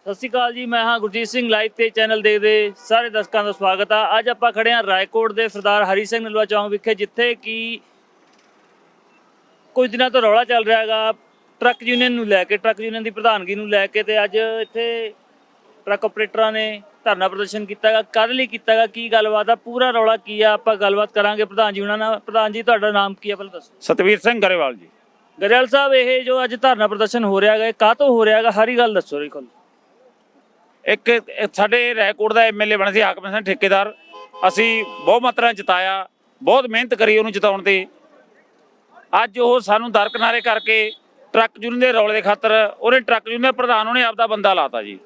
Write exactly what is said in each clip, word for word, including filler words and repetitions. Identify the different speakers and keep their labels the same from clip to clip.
Speaker 1: ਸਤਿ ਸ਼੍ਰੀ ਅਕਾਲ ਜੀ, ਮੈਂ ਹਾਂ ਗੁਰਜੀਤ ਸਿੰਘ। ਲਾਈਵ ਤੇ ਚੈਨਲ ਦੇਖਦੇ ਸਾਰੇ ਦਰਸ਼ਕਾਂ ਦਾ ਸਵਾਗਤ ਆ। ਅੱਜ ਆਪਾਂ ਖੜੇ ਹਾਂ ਰਾਏਕੋਟ ਦੇ ਸਰਦਾਰ ਹਰੀ ਸਿੰਘ ਨਲੂਆ ਚੌਂਕ ਵਿਖੇ, ਜਿੱਥੇ ਕਿ ਕੁਝ ਦਿਨਾਂ ਤੋਂ ਰੌਲਾ ਚੱਲ ਰਿਹਾ ਹੈਗਾ ਟਰੱਕ ਯੂਨੀਅਨ ਨੂੰ ਲੈ ਕੇ, ਟਰੱਕ ਯੂਨੀਅਨ ਦੀ ਪ੍ਰਧਾਨਗੀ ਨੂੰ ਲੈ ਕੇ। ਤੇ ਅੱਜ ਇੱਥੇ ਟਰੱਕ ਆਪਰੇਟਰਾਂ ਨੇ ਧਰਨਾ ਪ੍ਰਦਰਸ਼ਨ ਕੀਤਾ ਗਾ। ਕਾਹਦੇ ਲਈ ਕੀਤਾ ਗਾ, ਕੀ ਗੱਲਬਾਤ ਆ, ਪੂਰਾ ਰੌਲਾ ਕੀ ਆ, ਆਪਾਂ ਗੱਲਬਾਤ ਕਰਾਂਗੇ ਪ੍ਰਧਾਨ ਜੀ ਉਹਨਾਂ ਨਾਲ। ਪ੍ਰਧਾਨ ਜੀ, ਤੁਹਾਡਾ ਨਾਮ ਕੀ ਆ ਪਹਿਲਾਂ ਦੱਸੋ।
Speaker 2: ਸਤਵੀਰ ਸਿੰਘ ਗਰੇਵਾਲ ਜੀ।
Speaker 1: ਗਰੇਵਾਲ ਸਾਹਿਬ, ਇਹ ਜੋ ਅੱਜ ਧਰਨਾ ਪ੍ਰਦਰਸ਼ਨ ਹੋ ਰਿਹਾ ਹੈਗਾ, ਇਹ ਕਾਹ ਤੋਂ ਹੋ ਰਿਹਾ ਹੈਗਾ, ਸਾਰੀ ਗੱਲ ਦੱਸੋ ਜੀ ਕੋਲ।
Speaker 2: ਇੱਕ ਸਾਡੇ ਰਾਏਕੋਟ ਦਾ ਐਮਐਲਏ ਬਣੇ ਸੀ ਹਾਕਮ ਸਿੰਘ ਠੇਕੇਦਾਰ, ਅਸੀਂ ਬਹੁਤ ਮਾਤਰਾ ਜਿਤਾਇਆ, ਬਹੁਤ ਮਿਹਨਤ ਕਰੀ ਉਹਨੂੰ ਜਿਤਾਉਣ ਤੇ। ਅੱਜ ਉਹ ਸਾਨੂੰ ਦਰਕਿਨਾਰੇ ਕਰਕੇ ਟਰੱਕ ਯੂਨੀਅਨ ਦੇ ਰੌਲੇ ਦੇ ਖਾਤਰ ਉਹਨੇ ਟਰੱਕ ਯੂਨੀਅਨ ਦੇ ਪ੍ਰਧਾਨ ਉਹਨੇ ਆਪਦਾ ਬੰਦਾ ਲਾਤਾ ਜੀ।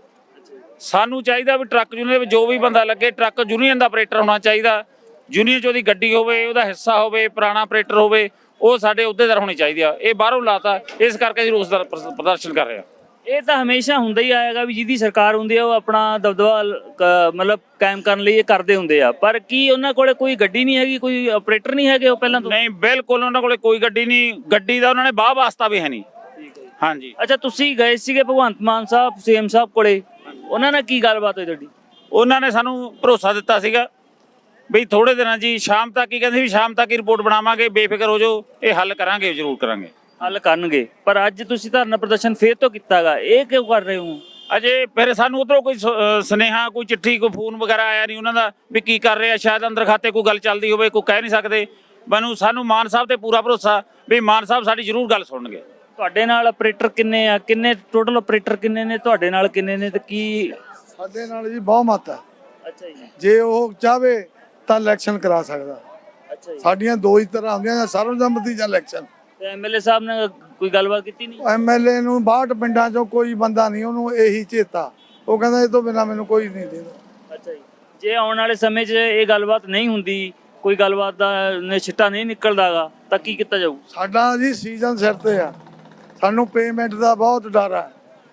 Speaker 2: ਸਾਨੂੰ ਚਾਹੀਦਾ ਵੀ ਟਰੱਕ ਯੂਨੀਅਨ ਦੇ ਵਿੱਚ ਜੋ ਵੀ ਬੰਦਾ ਲੱਗੇ ਟਰੱਕ ਯੂਨੀਅਨ ਦਾ ਆਪਰੇਟਰ ਹੋਣਾ ਚਾਹੀਦਾ। ਯੂਨੀਅਨ 'ਚ ਉਹਦੀ ਗੱਡੀ ਹੋਵੇ, ਉਹਦਾ ਹਿੱਸਾ ਹੋਵੇ, ਪੁਰਾਣਾ ਆਪਰੇਟਰ ਹੋਵੇ, ਉਹ ਸਾਡੇ ਅਹੁਦੇਦਾਰ ਹੋਣੀ ਚਾਹੀਦੀ ਆ। ਇਹ ਬਾਹਰੋਂ ਲਾਤਾ, ਇਸ ਕਰਕੇ ਅਸੀਂ ਰੋਸ ਦਾ ਪ੍ਰਦਰਸ਼ਨ ਕਰ ਰਹੇ ਹਾਂ।
Speaker 1: ਇਹ ਤਾਂ ਹਮੇਸ਼ਾ ਹੁੰਦਾ ਹੀ ਆਏਗਾ ਵੀ ਜਿਹਦੀ ਸਰਕਾਰ ਹੁੰਦੀ ਆ ਉਹ ਆਪਣਾ ਦਬਦਬਾ ਮਤਲਬ ਕਾਇਮ ਕਰਨ ਲਈ ਇਹ ਕਰਦੇ ਹੁੰਦੇ ਆ। ਪਰ ਕੀ ਉਹਨਾਂ ਕੋਲੇ ਕੋਈ ਗੱਡੀ ਨਹੀਂ ਹੈਗੀ, ਕੋਈ ਆਪਰੇਟਰ ਨਹੀਂ ਹੈਗੇ ਉਹ ਪਹਿਲਾਂ ਤੋਂ?
Speaker 2: ਨਹੀਂ, ਬਿਲਕੁਲ ਉਹਨਾਂ ਕੋਲੇ ਕੋਈ ਗੱਡੀ ਨਹੀਂ, ਗੱਡੀ ਦਾ ਉਹਨਾਂ ਨੇ ਬਾਹ ਵਾਸਤਾ ਵੀ ਹੈ ਨਹੀਂ। ਹਾਂਜੀ।
Speaker 1: ਅੱਛਾ, ਤੁਸੀਂ ਗਏ ਸੀਗੇ ਭਗਵੰਤ ਮਾਨ ਸਾਹਿਬ ਸੀਐਮ ਸਾਹਿਬ ਕੋਲੇ, ਉਹਨਾਂ ਨਾਲ ਕੀ ਗੱਲਬਾਤ ਹੋਈ ਤੁਹਾਡੀ?
Speaker 2: ਉਹਨਾਂ ਨੇ ਸਾਨੂੰ ਭਰੋਸਾ ਦਿੱਤਾ ਸੀਗਾ ਵੀ ਥੋੜੇ ਦਿਨਾਂ ਜੀ ਸ਼ਾਮ ਤੱਕ ਹੀ, ਕਹਿੰਦੇ ਵੀ ਸ਼ਾਮ ਤੱਕ ਹੀ ਰਿਪੋਰਟ ਬਣਾਵਾਂਗੇ, ਬੇਫਿਕਰ ਹੋ ਜਾਓ, ਇਹ ਹੱਲ ਕਰਾਂਗੇ, ਜ਼ਰੂਰ ਕਰਾਂਗੇ।
Speaker 1: ਹੱਲ ਕਰਨਗੇ। ਪਰ ਅੱਜ ਤੁਸੀਂ ਧਰਨਾ ਪ੍ਰਦਰਸ਼ਨ ਫੇਰ ਤੋਂ ਕੀਤਾਗਾ, ਇਹ ਕਿਉਂ ਕਰ ਰਹੇ ਹੋ?
Speaker 2: ਅਜੇ ਫਿਰ ਸਾਨੂੰ ਉੱਧਰੋਂ ਕੋਈ ਸੁਨੇਹਾ, ਕੋਈ ਚਿੱਠੀ, ਕੋਈ ਫੋਨ ਵਗੈਰਾ ਆਇਆ ਨਹੀਂ ਉਹਨਾਂ ਦਾ ਵੀ ਕੀ ਕਰ ਰਹੇ ਆ। ਸ਼ਾਇਦ ਅੰਦਰ ਖਾਤੇ ਕੋਈ ਗੱਲ ਚੱਲਦੀ ਹੋਵੇ, ਕੋਈ ਕਹਿ ਨਹੀਂ ਸਕਦੇ। ਮੈਨੂੰ ਸਾਨੂੰ ਮਾਨ ਸਾਹਿਬ ਤੇ ਪੂਰਾ ਭਰੋਸਾ ਵੀ ਮਾਨ ਸਾਹਿਬ ਸਾਡੀ ਜ਼ਰੂਰ ਗੱਲ ਸੁਣਨਗੇ।
Speaker 1: ਤੁਹਾਡੇ ਨਾਲ ਆਪਰੇਟਰ ਕਿੰਨੇ ਆ, ਕਿੰਨੇ ਟੋਟਲ ਆਪਰੇਟਰ ਕਿੰਨੇ ਨੇ, ਤੁਹਾਡੇ ਨਾਲ ਕਿੰਨੇ ਨੇ, ਤੇ ਕੀ?
Speaker 3: ਸਾਡੇ ਨਾਲ ਜੀ ਬਹੁਮਤ ਹੈ।
Speaker 1: ਅੱਛਾ ਜੀ।
Speaker 3: ਜੇ ਉਹ ਚਾਹਵੇ ਤਾਂ ਇਲੈਕਸ਼ਨ ਕਰਾ ਸਕਦਾ।
Speaker 1: ਅੱਛਾ ਜੀ।
Speaker 3: ਸਾਡੀਆਂ ਦੋ ਹੀ ਤਰ੍ਹਾਂ ਹੁੰਦੀਆਂ, ਜਾਂ ਸਰਵਸੰਮਤੀ ਜਾਂ ਇਲੈਕਸ਼ਨ।
Speaker 1: ਤੇ ਐਮਐਲਏ ਸਾਹਿਬ ਨੇ ਕੋਈ ਗੱਲਬਾਤ ਕੀਤੀ ਨਹੀਂ?
Speaker 3: ਐਮਐਲਏ ਨੂੰ ਬਾਹਠ ਪਿੰਡਾਂ ਚੋਂ ਕੋਈ ਬੰਦਾ ਨਹੀਂ, ਉਹਨੂੰ ਇਹੀ ਚੇਤਾ, ਉਹ ਕਹਿੰਦਾ ਇਹ ਤੋਂ ਬਿਨਾਂ ਮੈਨੂੰ ਕੋਈ ਨਹੀਂ ਦੇਦਾ।
Speaker 1: ਅੱਛਾ ਜੀ। ਜੇ ਆਉਣ ਵਾਲੇ ਸਮੇਂ 'ਚ ਇਹ ਗੱਲਬਾਤ ਨਹੀਂ ਹੁੰਦੀ, ਕੋਈ ਗੱਲਬਾਤ ਦਾ ਨੇ ਛਿੱਟਾ ਨਹੀਂ ਨਿਕਲਦਾਗਾ, ਤਾਂ ਕੀ ਕੀਤਾ ਜਾਊ?
Speaker 3: ਸਾਡਾ ਜੀ ਸੀਜ਼ਨ ਸਿਰ ਤੇ ਆ, ਸਾਨੂੰ ਪੇਮੈਂਟ ਦਾ ਬਹੁਤ ਡਰ ਹੈ।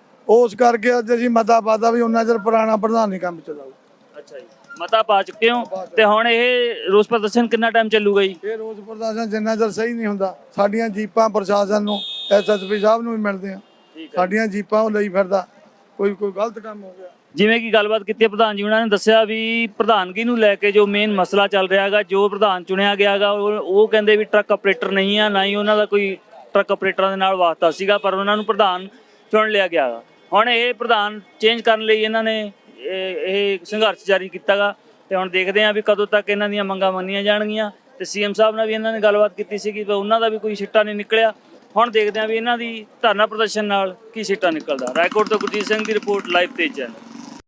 Speaker 3: ਉਸ ਕਰਕੇ ਅੱਜ ਅਸੀਂ ਮਤਾ ਪਾਦਾ ਵੀ ਉਹਨਾਂ ਚਿਰ ਪੁਰਾਣਾ ਪ੍ਰਧਾਨ ਨਹੀਂ ਕੰਮ ਚਲਾਊ।
Speaker 1: ਅੱਛਾ ਜੀ, ਮਤਾ ਪਾ ਚੁੱਕੇ ਹੋ। ਤੇ ਹੁਣ ਇਹ ਰੋਸ ਪ੍ਰਦਰਸ਼ਨ ਕਿੰਨਾ ਟਾਈਮ ਚੱਲੂਗਾ ਜੀ?
Speaker 3: ਇਹ ਰੋਸ ਪ੍ਰਦਰਸ਼ਨ ਜਿੰਨਾ ਚਿਰ ਸਹੀ ਨਹੀਂ ਹੁੰਦਾ, ਸਾਡੀਆਂ ਜੀਪਾਂ ਪ੍ਰਸ਼ਾਸਨ ਨੂੰ, ਐਸਐਸਪੀ ਸਾਹਿਬ ਨੂੰ ਵੀ ਮਿਲਦੇ ਆ, ਸਾਡੀਆਂ ਜੀਪਾਂ ਉਹ ਲਈ ਫਿਰਦਾ, ਕੋਈ ਕੋਈ ਗਲਤ ਕੰਮ ਹੋ ਗਿਆ।
Speaker 1: ਜਿਵੇਂ ਕਿ ਗੱਲਬਾਤ ਕੀਤੀ ਪ੍ਰਧਾਨ ਜੀ ਉਹਨਾਂ ਨੇ ਦੱਸਿਆ ਵੀ ਪ੍ਰਧਾਨਗੀ ਨੂੰ ਲੈ ਕੇ ਜੋ ਮੇਨ ਮਸਲਾ ਚੱਲ ਰਿਹਾ ਹੈਗਾ, ਜੋ ਪ੍ਰਧਾਨ ਚੁਣਿਆ ਗਿਆ ਹੈਗਾ ਉਹ ਕਹਿੰਦੇ ਵੀ ਟਰੱਕ ਆਪਰੇਟਰ ਨਹੀਂ ਆ, ਨਾ ਹੀ ਉਹਨਾਂ ਦਾ ਕੋਈ ਟਰੱਕ ਆਪਰੇਟਰਾਂ ਦੇ ਨਾਲ ਵਾਸਤਾ ਸੀਗਾ, ਪਰ ਉਹਨਾਂ ਨੂੰ ਪ੍ਰਧਾਨ ਚੁਣ ਲਿਆ ਗਿਆ ਗਾ। ਹੁਣ ਇਹ ਪ੍ਰਧਾਨ ਚੇਂਜ ਕਰਨ ਲਈ ਇਹਨਾਂ ਨੇ ਇਹ ਸੰਘਰਸ਼ ਜਾਰੀ ਕੀਤਾ ਗਾ। ਤੇ ਹੁਣ ਦੇਖਦੇ ਹਾਂ ਵੀ ਕਦੋਂ ਤੱਕ ਇਹਨਾਂ ਦੀਆਂ ਮੰਗਾਂ ਮੰਨੀਆਂ ਜਾਣਗੀਆਂ। ਤੇ ਸੀਐਮ ਸਾਹਿਬ ਨਾਲ ਵੀ ਇਹਨਾਂ ਨੇ ਗੱਲਬਾਤ ਕੀਤੀ ਸੀਗੀ, ਪਰ ਉਹਨਾਂ ਦਾ ਵੀ ਕੋਈ ਸਿੱਟਾ ਨਹੀਂ ਨਿਕਲਿਆ। ਹੁਣ ਦੇਖਦੇ ਹਾਂ ਵੀ ਇਹਨਾਂ ਦੀ ਧਰਨਾ ਪ੍ਰਦਰਸ਼ਨ ਨਾਲ ਕੀ ਸਿੱਟਾ ਨਿਕਲਦਾ। ਰਾਏਕੋਟ ਤੋਂ ਗੁਰਜੀਤ ਸਿੰਘ ਦੀ ਰਿਪੋਰਟ, ਲਾਈਵ ਤੇਜ਼ ਚੈਨਲ।